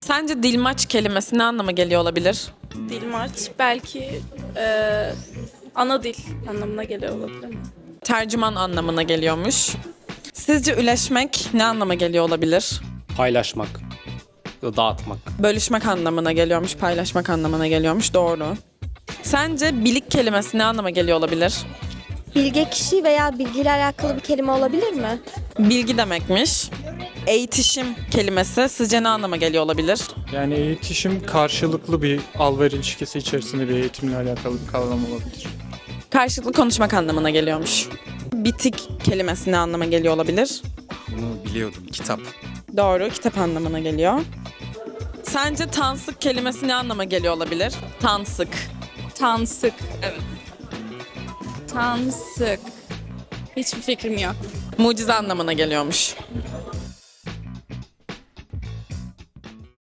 Sence dilmaç kelimesi ne anlama geliyor olabilir? Dilmaç belki ana dil anlamına geliyor olabilir mi? Tercüman anlamına geliyormuş. Sizce üleşmek ne anlama geliyor olabilir? Paylaşmak, dağıtmak. Bölüşmek anlamına geliyormuş, paylaşmak anlamına geliyormuş. Doğru. Sence bilik kelimesi ne anlama geliyor olabilir? Bilge kişi veya bilgiyle alakalı bir kelime olabilir mi? Bilgi demekmiş. Eğitişim kelimesi sizce ne anlama geliyor olabilir? Yani eğitişim karşılıklı bir al-ver ilişkisi içerisinde bir eğitimle alakalı bir kavram olabilir. Karşılıklı konuşmak anlamına geliyormuş. Bitik kelimesi ne anlama geliyor olabilir? Bunu biliyordum. Kitap. Doğru, kitap anlamına geliyor. Sence tansık kelimesi ne anlama geliyor olabilir? Tansık. Tansık. Evet. Tansık. Hiçbir fikrim yok. Mucize anlamına geliyormuş.